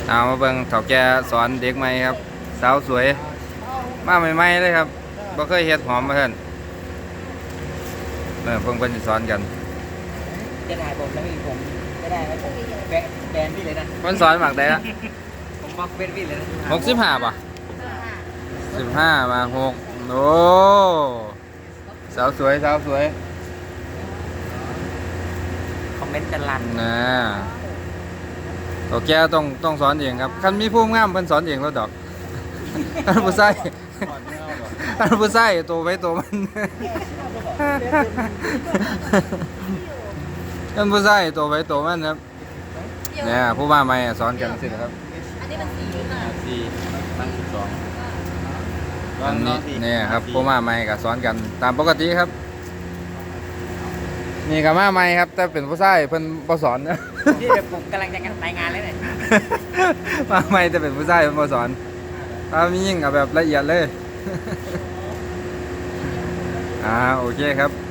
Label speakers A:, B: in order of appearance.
A: เอามาเบิ่งเฒ่าแก่สอนเด็กใหม่ครับสาวสวยมาใหม่ๆเลยครับบ่เคยเฮ็ดหอมมาเพิ่นเพิ่นสิสอนกัน
B: จะถ่ายผมแล้วผมจะได้ไหมผมแบนพี่เลยนะ
A: เพิ่นสอนหมักได้ละ
B: ผมบล็อกเบนพี่เลยนะ
A: 65ป่ะ15มา6โอ้สาวสวยสาวสวย
B: คอมเมนต์กันลั่น
A: นะเฒ่าแก่ต้องสอนเองครับคันมีผู้งามเพิ่นสอนเองแล้วดอกท่านผู้ใส่ท่านผู้ใส่ตัวไว้ตัวมันท่านผู้ใส่ตัวไว้ตัวมันครับเนี่ยผู้ว่าใหม่สอนกันสิครับ
C: อันนี้มันสีน่ะ
B: 4 ตั้ง 12
A: อันนี้เนี่ยครับผู้ว่าใหม่ก็สอนกันตามปกติครับนี่ก็มาใหม่ครับแต่เป็นผู้ใส่เพิ่นบ่สอนนะ
B: ที่ผมกำลังจะรายงานเลยเนี่ย
A: มาใหม่แต่เป็นผู้ใส่เพิ่นบ่สอนถ้ามียิ่งกับแบบละเอียดเลยโอเคครับ